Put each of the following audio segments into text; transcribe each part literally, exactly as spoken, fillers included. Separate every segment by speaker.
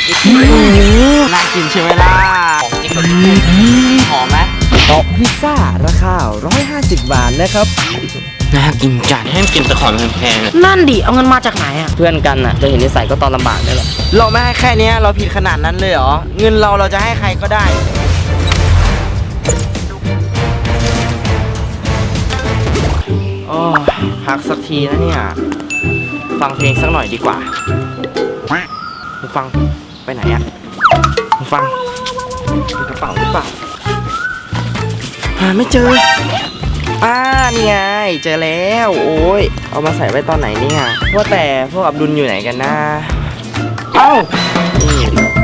Speaker 1: น่ากินใช่ไหมล่ะของจริงแบบหอมไหม
Speaker 2: โต๊ะพิซซ่าราคาหนึ่งร้อยห้าสิบบาทนะครับ
Speaker 1: น่ากินจัดให้กินแต่ของแพงๆ
Speaker 3: นั่นดิเอาเงินมาจากไหนอ่ะ
Speaker 2: เพื่อนกันน่ะจะเห็นนิสัยก็ตอนลำบากได้หรอ
Speaker 1: เราไม่ให้แค่นี้เราผิดขนาดนั้นเลยเหรอเงินเราเราจะให้ใครก็ได้โอ้พักสักทีนะเนี่ยฟังเพลงสักหน่อยดีกว่ามึงฟังไปไหนอะมึงฟังมีกระเป๋าหรือเปล่าหาไม่เจออ่านี่ไงเจอแล้วโอ้ยเอามาใส่ไว้ตอนไหนเนี่ยว่าแต่พวกอับดุลอยู่ไหนกันนะเอ้านี่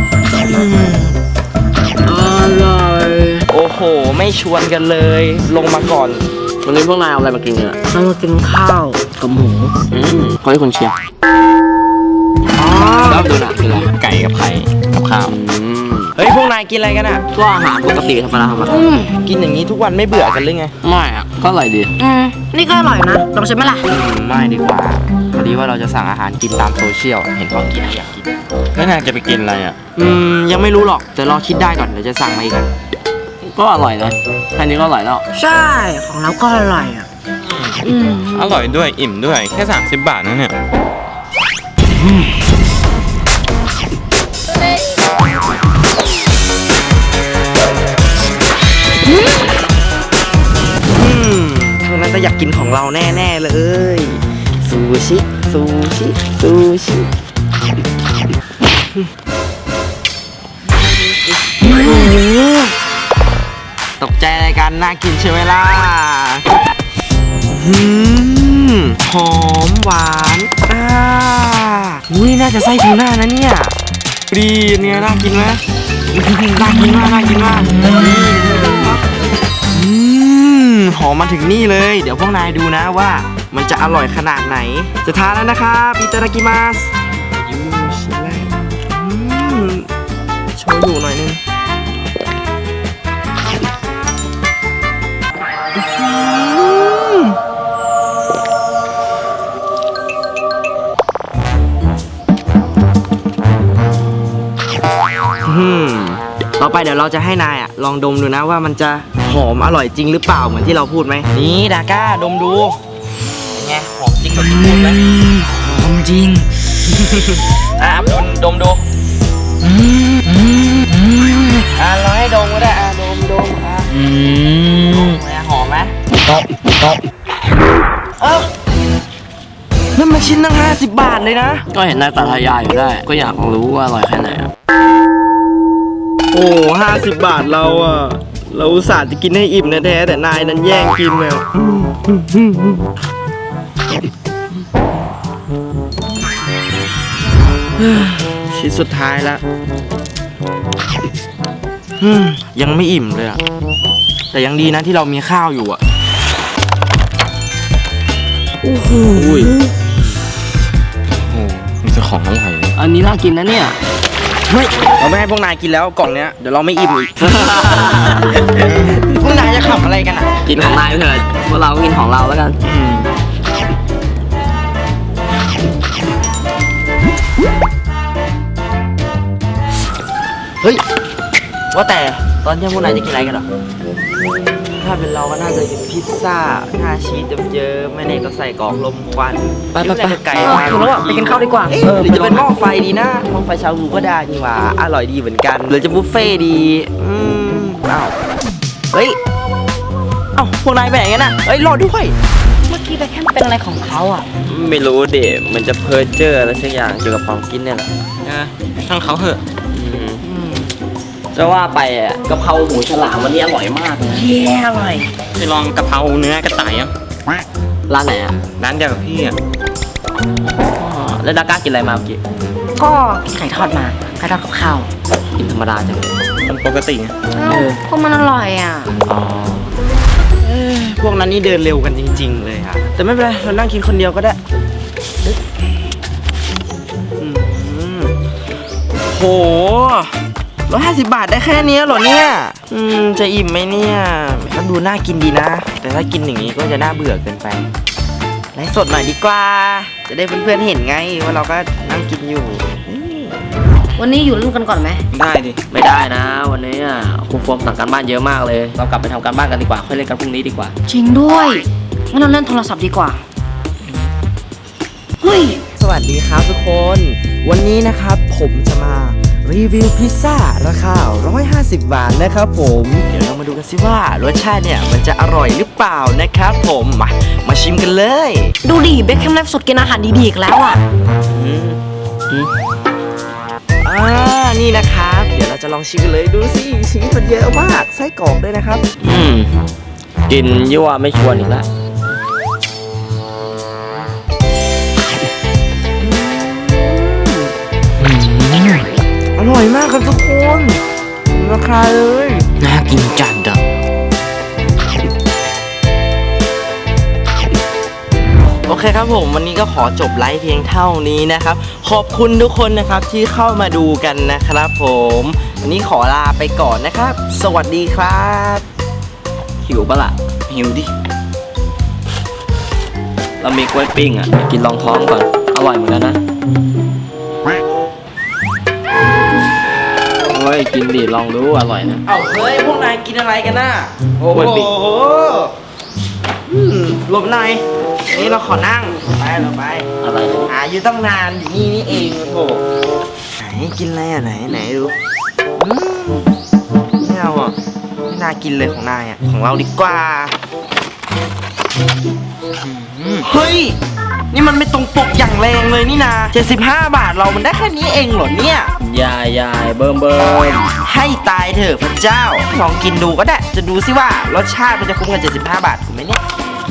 Speaker 1: อร่อยโอ้โหไม่ชวนกันเลยลงมาก่อนวันนี้พวกนายเอาอะไรมากินเนี่ย
Speaker 3: เรามากินข้าวกับหมู
Speaker 1: อืมขอให้คุณเชียร์แล้วดูนะคืออะไรไก่กับไข่กับข้าวเฮ้ยพวกนายกินอะไรกันอ่ะ
Speaker 2: ก็อาหารปกติธรรมดาธรรมดา
Speaker 1: กินอย่างนี้ทุกวันไม่เบื่อกันหรือไง
Speaker 2: ไม่อ่ะก็อร่อยดี
Speaker 3: อืมนี่ก็อร่อยนะลองชิมไหมล่ะ
Speaker 1: ไม่ดีกว่าพอดีว่าเราจะสั่งอาหารกินตามโซเชียลเห็นเขากินอยากกินแล้วนายจะไปกินอะไรอ่ะอืมยังไม่รู้หรอกแต่รอคิดได้ก่อนเดี๋ยวจะสั่งมาอีก
Speaker 2: ก็อร่อยนะแค่นี้ก็อร่อยแล้ว
Speaker 3: ใช่ของเราก็อร่อยอ่ะ
Speaker 4: อืมอร่อยด้วยอิ่มด้วยแค่สามสิบบาทนะเนี่ย
Speaker 1: อืมพวกนั้นจะอยากกินของเราแน่ๆเลยซูชิซูชิซูชิตกใจอะไรกันน่ากินใช่ไหมล่ะหอมหวานอ่าอุ้ยน่าจะไส้ทูน่านะเนี่ยดีเนี่ยน่ากินไหมน่ากินมากน่ากินมากอืมหอมมาถึงนี่เลยเดี๋ยวพวกนายดูนะว่ามันจะอร่อยขนาดไหนจะทานแล้วนะครับอิตาดากิมัสยูชิไลโชยุหน่อยนึงต่อไปเดี๋ยวเราจะให้นายอ่ะลองดมดูนะว่ามันจะหอมอร่อยจริงหรือเปล่าเหมือนที่เราพูดไหมนี่ดาก้าดมดูเป็นไงหอมจริงแบบที่พูดไหม
Speaker 3: หอมจริง
Speaker 1: อ่ะอับดุลดมดูอ่ะเราให้ดมก็ได้อ่ะดมดมอ่ะอืมหอมไหมตบตบเอ้านั่นมันชิ้นตั้งห้าสิบบาทเลยนะ
Speaker 2: ก็เห็นนายตาทายายอยู่ได้ก็อยากรู้ว่าอร่อยแค่ไหน
Speaker 1: โอ้ห้าสิบบาทเราอ่ะเราอุตส่าห์จะกินให้อิ่มแท้ๆแต่นายนั้นแย่งกินเลยชิ้นสุดท้ายแล้วยังไม่อิ่มเลยอ่ะแต่ยังดีนะที่เรามีข้าวอยู่อ่ะ
Speaker 3: โอ้โห
Speaker 4: โอ้มีแต่ของอร่อย
Speaker 2: อันนี้น่ากินนะเนี่ย
Speaker 1: เฮ้ยเราไม่ให้พวกนายกินแล้วกล่องเนี้ยเดี๋ยวเราไม่อิ่มอีก พวกนายจะขับอะไรกันอ่ะ
Speaker 2: กินของนายเถอะพวกเรากินของเราแล้วกัน
Speaker 1: เฮ้ยว่าแต่ตอนเที่ยงพวกนายจะกินอะไรกันหรอถ้าเป็นเราก็น่าจะกินพิซซ่าหน้าชีสเยอะๆไม่เน่ก็ใส่กรอกลมควัน
Speaker 3: ไปไปไป
Speaker 1: ไก่
Speaker 3: ถึงแล้วอ่ะไปกินข้าวดีกว่า
Speaker 1: เออหรือจะเป็นหม้อไฟดีนะหม้อไฟชาบูก็ได้นี่หว่าอร่อยดีเหมือนกันหรือจะบุฟเฟ่ดีอืมอ้าวเฮ้ยเอ้าพวกนายไปไหนกันน่ะเฮ้ยรอด้วย
Speaker 3: เมื่อกี้ไปแค่เป็นอะไรของเขาอ่ะ
Speaker 1: ไม่รู้เด็มันจะเพ้อเจ้ออะไรสักอย่างเกี่ยวกับของกินเนี่ยแหละ
Speaker 4: นะช่างเขาเถอะ
Speaker 2: จะว่าไปอ่ะกะเพราหมูฉลามวันนี้อร่อยมากเลย
Speaker 3: เย้อร่อย
Speaker 4: ไปลองกะเพราเนื้อกระต่ายยัง
Speaker 2: ร้านไหนอ่ะ
Speaker 4: ร้านเดียวกับพี่อ่ะ
Speaker 2: แล้วดาก้ากินอะไรมาเมื่อกี้
Speaker 3: ก็กินไข่ทอดมาไข่ทอดกับข้าว
Speaker 2: กินธรรมดาจังเลย
Speaker 4: มันปกติไง
Speaker 3: เออพวกมันอร่อยอ่ะ
Speaker 2: อ๋อ
Speaker 1: พวกนั้นนี่เดินเร็วกันจริงๆเลยค่ะแต่ไม่เป็นไรเรานั่งกินคนเดียวก็ได้โหร้อยห้าสิบบาทได้แค่นี้เหรอเนี่ยอืมจะอิ่มไหมเนี่ยก็ดูน่ากินดีนะแต่ถ้ากินอย่างนี้ก็จะน่าเบื่อเกินไปไลฟ์สดหน่อยดีกว่าจะได้เพื่อนๆเห็นไงว่าเราก็นั่งกินอยู่
Speaker 3: วันนี้อยู่เล่นกันก่อนไหม
Speaker 4: ได้ดิ
Speaker 5: ไม่ได้นะ วันนี้อ่ะครูโฟมสั่งการบ้านเยอะมากเลย เรากลับไปทำการบ้านกันดีกว่า ค่อยเล่นกันพรุ่งนี้ดีกว่า
Speaker 3: จริงด้วยงั้นเราเล่นโทรศัพท์ดีกว่าเฮ้ย
Speaker 2: สวัสดีครับทุกคน วันนี้นะครับผมจะมารีวิวพิซซ่าราคาหนึ่งร้อยห้าสิบบาทนะครับผม
Speaker 1: เดี๋ยวเรามาดูกันสิว่ารสชาติเนี่ยมันจะอร่อยหรือเปล่านะครับผมมามาชิมกันเลย
Speaker 3: ดูดิเบคแฮมไลฟ์สดกินอาหารดีๆอีกแล้วอ่ะ
Speaker 1: อืมอืมอ่านี่นะครับ เดี๋ยวเราจะลองชิมกันเลยดูสิชีสมันเยอะมากไส้กรอกด้วยนะครับ
Speaker 5: อืมกินยั่วไม่ชวนอีกแล้ว
Speaker 1: อร่อยมากครับทุกคนราคาเลย
Speaker 5: น่ากินจัดอ่ะ
Speaker 1: โอเคครับผมวันนี้ก็ขอจบไลฟ์เพียงเท่านี้นะครับ ขอบคุณทุกคนนะครับที่เข้ามาดูกันนะครับผมวันนี้ขอลาไปก่อนนะครับ สวัสดีครับ
Speaker 5: หิวปะล่ะ
Speaker 1: หิวดิ
Speaker 5: เรามีกล้วยปิ้งอ่ะไปกินรองท้องก่อน อร่อยเหมือนกันนะเฮ้ยกินดิลองดูอร่อยนะ
Speaker 1: เอ้าเฮ้ยพวกนายกินอะไรกันน่ะโอ้
Speaker 5: กล้วยปิ้ง
Speaker 1: โหอืมหลบหน่อยนี่เราขอนั่งไปเราไป
Speaker 5: อะไรนะ
Speaker 1: หาอยู่ตั้งนานอยู่นี่นี่เองโอ้โหไหนกินอะไรอ่ะไหนไหนดูอืมไม่เอาอ่ะไม่น่ากินเลยของนายอ่ะของเราดีกว่าเฮ้ยนี่มันไม่ตรงปกอย่างแรงเลยนี่นาเจ็ดสิบห้าบาทเรามันได้แค่นี้เองเหรอเนี่ย
Speaker 5: ยายยายเบิ่มเบิ่ม
Speaker 1: ให้ตายเถอะพระเจ้าลองกินดูก็ได้จะดูซิว่ารสชาติมันจะคุ้มกับเจ็ดสิบห้าบาทถูกไหมเนี่ย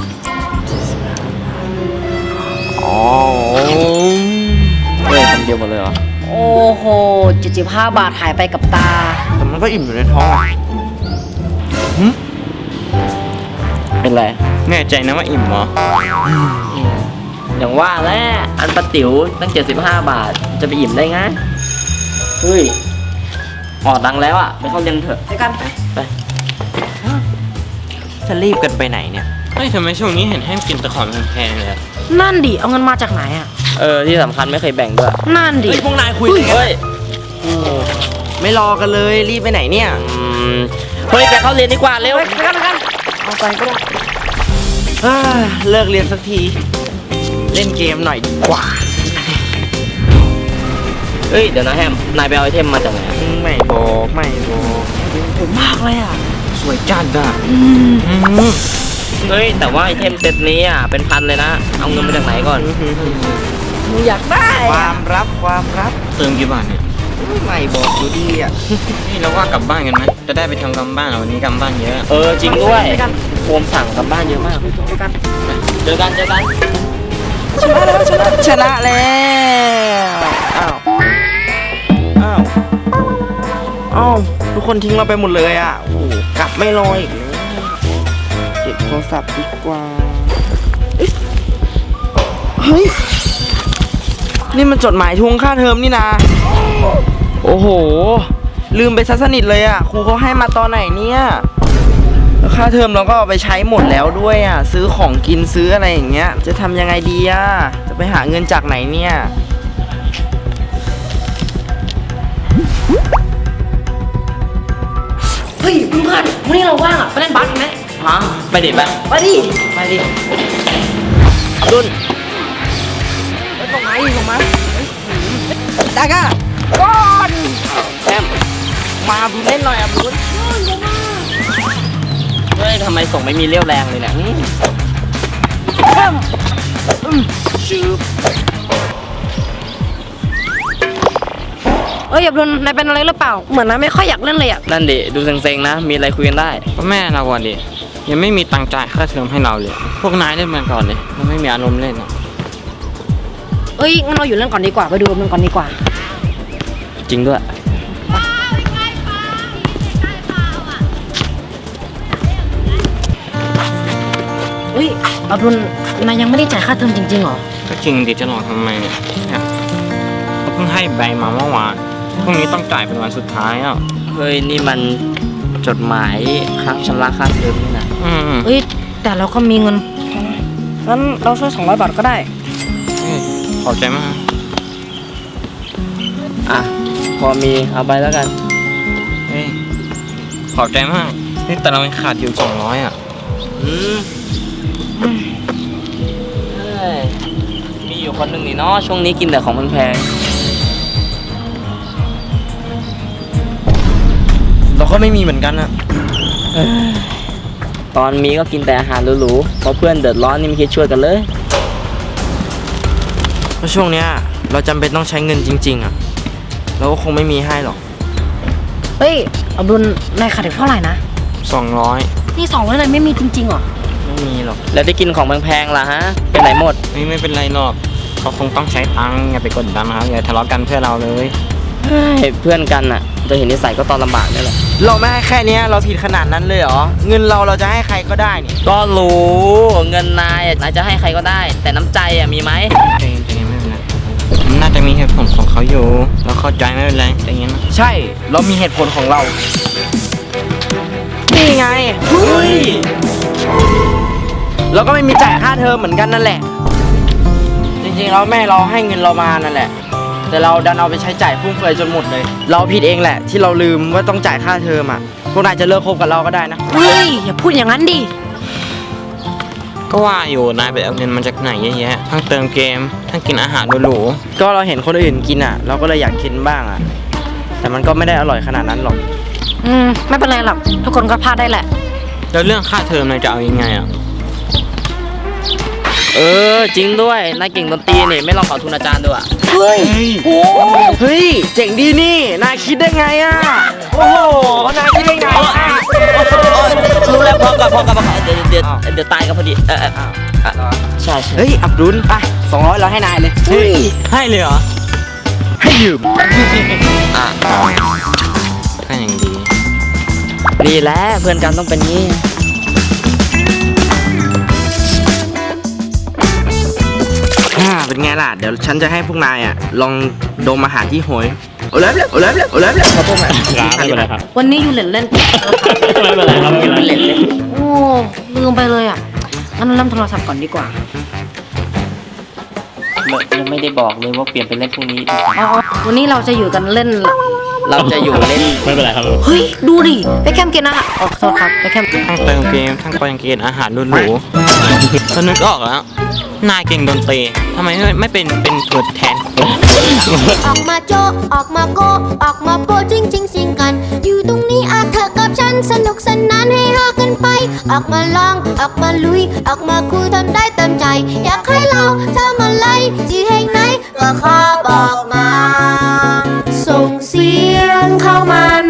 Speaker 1: อ๋อ
Speaker 5: เฮ้ยคำเดียวหมดเลยเหรอ
Speaker 3: โอ้โหเจ็ดสิบห้าบาทหายไปกับตา
Speaker 1: แต่มันก็อิ่มอยู่ในท้องอ่ะ
Speaker 5: เป็นไร
Speaker 4: แน่ใจนะว่าอิ่มเหรอ
Speaker 5: อย่างว่าแหละอันปะติ๋วตั้งเจ็ดสิบห้าบาท จะไปอิ่มได้ไงเฮ้ยออกดังแล้วอ่ะ ไปเข้าเรียนเถอะ
Speaker 3: ไปกันไป
Speaker 5: ไป
Speaker 1: จะรีบกันไปไหนเนี่ย
Speaker 4: เฮ้ยทำไมช่วงนี้เห็นให้กินแต่ของแพงๆเลยอะ
Speaker 3: นั่นดิเอาเงินมาจากไหนอ่ะ
Speaker 5: เออที่สำคัญไม่เคยแบ่งด้วย
Speaker 3: นั่นดิ
Speaker 1: เฮ้ยพวกนายคุยกัน
Speaker 5: เฮ้ย
Speaker 1: ไม่รอกันเลยรีบไปไหนเนี่ย
Speaker 5: อืมเฮ้ยไปเข้าเรียนดีกว่าเร็ว
Speaker 3: ไปกันไปกันเอาไปก็ได้
Speaker 1: เอ้อเลิกเรียนสักที เล่นเกมหน่อยดีกว่า
Speaker 5: เฮ้ยเดี๋ยวนะแฮมนายไปเอาไอเทมมาจากไหนอะ
Speaker 1: ไม่บอกไม่บอก
Speaker 3: ผมมากเลยอ่ะ
Speaker 1: สวยจัดอ่ะ
Speaker 3: อืม
Speaker 1: อืม
Speaker 5: เฮ้ยแต่ว่าไอเทมเซตนี้อ่ะเป็นพันเลยนะ เอาเงินมาจากไหนก่อน
Speaker 3: หนูอยากได้
Speaker 1: ค
Speaker 3: อะ
Speaker 1: วามลับความลับ
Speaker 4: เติมกี่บาทเนี่ย
Speaker 1: ไม่บอกอยู่ดีอ่ะ
Speaker 4: นี่เราว่ากลับบ้านกันไหมจะได้ไปทำการบ้านอะวันนี้การบ้านเยอะ
Speaker 5: เออจริงด้วยโฟมสั่งกลับบ้านเยอะมาก
Speaker 3: ไปกัน
Speaker 5: เจอกันเจอกัน
Speaker 1: ชนะแล้วชนะชนะแล้วอ้าวอ้าวอ้าวทุกคนทิ้งเราไปหมดเลยอ่ะโอ้โหกลับไม่รออีกเลยเก็บโทรศัพท์ดีกว่าเอ๊ะเฮ้ยนี่มันจดหมายทวงค่าเทอมนี่นะโอ้โหลืมไปซะสนิทเลยอ่ะครูเขาให้มาตอนไหนเนี่ยแล้วค่าเทอมเราก็เอาไปใช้หมดแล้วด้วยอ่ะซื้อของกินซื้ออะไรอย่างเงี้ยจะทำยังไงดีอ่ะจะไปหาเงินจากไหนเนี่ย
Speaker 3: เฮ้ยเพื่อนๆวันนี้เราว่างอ่ะไปเล่นบาสกันไหม
Speaker 5: ฮะไปดิไป
Speaker 3: ไปดิ
Speaker 5: ไปดิ
Speaker 1: รุ่นไปส่งมาอีกส่งมาตาก้าก้อนแอมมาบุญเล่นหน่อยอ่ะบุญ
Speaker 5: เฮ้ยทำไมส่งไม่มีเรี่ยวแรงเลยเนี่ยหืม
Speaker 1: แอมอืมชืบ
Speaker 3: เอ้ยอย่าโดนนายเป็นอะไรหรือเปล่า เหมือนนายไม่ค่อยอยากเล่นเลยอ่ะ
Speaker 5: นั่นดิดูเซ็งๆนะ มีอะไรคุยกันได้
Speaker 4: ก็แม่เราวันดิยังไม่มีตังค์จ่ายค่าเทอมให้เราเลย พวกนายเล่นมาก่อนเลยเราไม่มีอารมณ์เล่นอะ
Speaker 3: เอ้ยงั้นเราอยู่เล่นก่อนดีกว่าไปดูมันก่อนดีกว่า
Speaker 5: จริงด้วย
Speaker 3: เฮ้ยอับดุลนายยังไม่ได้จ่ายค่าเทอมจริงๆเหรอ
Speaker 4: ก็จริงดิจะหลอกทำไมเนี่ยเนี่ยเขาเพิ่งให้ใบมาเมื่อวานพรุ่งนี้ต้องจ่ายเป็นวันสุดท้ายอ่ะ
Speaker 5: เฮ้ยนี่มันจดหมายค้างชำระค่าเทอมนี่นะ
Speaker 4: อืม
Speaker 3: เอ้ยแต่เราก็มีเงินงั้นเราช่วยสองร้อยบาทก็ได้
Speaker 4: เฮ้ยขอบใจมาก
Speaker 5: อ่ะพอมีเอาไปแล้วกัน
Speaker 4: เฮ้ย ขอบใจมาก นี่แต่เรายังขาดอยู่สองร้อยอ่ะ
Speaker 5: อืมเฮ้ยมีอยู่คนหนึ่งนี่เนาะช่วงนี้กินแต่ของแพง
Speaker 1: เราก็ไม่มีเหมือนกันอะ
Speaker 5: ๆตอนมีก็กินแต่อาหารหรูๆพอเพื่อนเดือดร้อนนี่ไม่คิดช่วยกันเลย
Speaker 1: เพราะช่วงเนี้ยเราจำเป็นต้องใช้เงินจริง ๆอะเราก็คงไม่มีให้หรอก
Speaker 3: เฮ้ยอับดุลนายขาดอีกเท่าไหร่นะ
Speaker 4: สองร้อย
Speaker 3: นี่สองร้อยเลยไม่มีจริงๆเหรอ
Speaker 1: ไม่มีหรอก
Speaker 5: แล้วได้กินของแพงๆล่ะฮะไปไหนหมด
Speaker 4: ไม่ไม่เป็นไรหรอกเขาคงต้องใช้ตังค์อย่าไปกดดันนะครับอย่าทะเลาะกันเพื่อเราเลย
Speaker 5: เฮ้ยเพื่อนกันน่ะจะเห็นนิสัยก็ตอนลำบากนี่แหละ
Speaker 1: เราไม่ให้แค่เนี้ยเราผิดขนาดนั้นเลยเหรอ เงินเราเราจะให้ใครก็ได้นี่
Speaker 5: ก็รู้เงินนายอ่ะนายจะให้ใครก็ได้ แต่น้ำใจอ่ะมีไหม
Speaker 4: ใจเย็นใจเย็นไม่เป็นไรมันน่าจะมีเหตุผลของเขาอยู่ เราเข้าใจไม่เป็นไรใจเย็นนะ
Speaker 1: ใช่ เรามีเหตุผลของเรา นี่ไงเฮ้ยเราก็ไม่มีจ่ายค่าเทอมเหมือนกันนั่นแหละ จริงๆแล้วแม่เราให้เงินเรามานั่นแหละ แต่เราดันเอาไปใช้จ่ายฟุ่มเฟือยจนหมดเลย เราผิดเองแหละ ที่เราลืมว่าต้องจ่ายค่าเทอมอ่ะ พวกนายจะเลิกคบกับเราก็ได้นะ
Speaker 3: เฮ้ย อย่าพูดอย่างนั้นดิ
Speaker 4: ก็ว่าอยู่นายไปเอาเงินมาจากไหนเยอะแยะ ทั้งเติมเกม ทั้งกินอาหารหรู
Speaker 1: ก็เราเห็นคนอื่นกินอ่ะ เราก็เลยอยากกินบ้างอ่ะ แต่มันก็ไม่ได้อร่อยขนาดนั้นหรอก
Speaker 3: อืม ไม่เป็นไรหรอก ทุกคนก็พลาดได้แหละ
Speaker 4: ๆแล้วเรื่องค่าเทอมนายจะเอายังไงอ่ะ
Speaker 5: เออจริงด้วยนายเก่งดนตรีนี่ไม่ลองขอทุนอาจารย์ดูอ่ะ
Speaker 1: เฮ้ยโอ้เฮ้ย เจ๋งดีนี่ นายคิดได้ไงอ่ะ โอ้โห นายคิดได้ไงอ่ะ
Speaker 5: รู้แล้วพอกับพอกับพอกับเดี๋ยวเดี๋ยวเดี๋ยวตายกันพอดีเออเออเออใช่ใช่
Speaker 1: เฮ้ย อับดุลไปสองร้อยเราให้นายเลย
Speaker 4: เฮ้ย ให้เลยเหรอ
Speaker 1: ให้ยืม
Speaker 5: อ่ะ
Speaker 4: ก็ยังดี
Speaker 5: นี่แหละเพื่อนกันต้องเป็นงี้
Speaker 1: อ่าเป็นไงล่ะ เดี๋ยวฉันจะให้พวกนายอ่ะ ลองดมอาหารที่โหยโอ้เล็บเลยโอ้เล็บเลยโอ้เล็บเลยครับพวกนาย
Speaker 4: ไม่เป็นไรครับ
Speaker 3: วันนี้อยู่เล่นเล่น
Speaker 4: ไม่เป็นไรครับไม่เป็นไร
Speaker 5: เล่นเลย
Speaker 3: โอ้ลืมไปเลยอ่ะงั้นเริ่มโทรศัพท์ก่อนดีกว่า
Speaker 5: ยังไม่ได้บอกเลยว่าเปลี่ยนเป็นเล่นพรุ่งนี้
Speaker 3: อ๋อวันนี้เราจะอยู่กันเล่น
Speaker 5: เราจะอยู่เล่น
Speaker 4: ไม่เป็นไรครับ
Speaker 3: เฮ้ย ดูดิ ไปแคมป์กินอาหารอ๋อขอโทษครับ ไปแคมป์
Speaker 4: ทั้งเติมเกม ทั้งไปกินอาหารหรูๆก็นึกออกแล้ว นายเก่งดนตรีทำไมไม่ไม่เป็นเป็นตัวแทนคน
Speaker 6: ออกมาโจะออกมาโกะออกมาโปะจริงจริงสิงกัน อยู่ตรงนี้อาเธอกับฉันสนุกสนานให้ฮากันไป ออกมาลอง ออกมาลุย ออกมาคุยทำได้เต็มใจ อยากให้เราทำอะไรที่แห่งไหนก็ขอบอกมา ส่งเสียงเข้ามา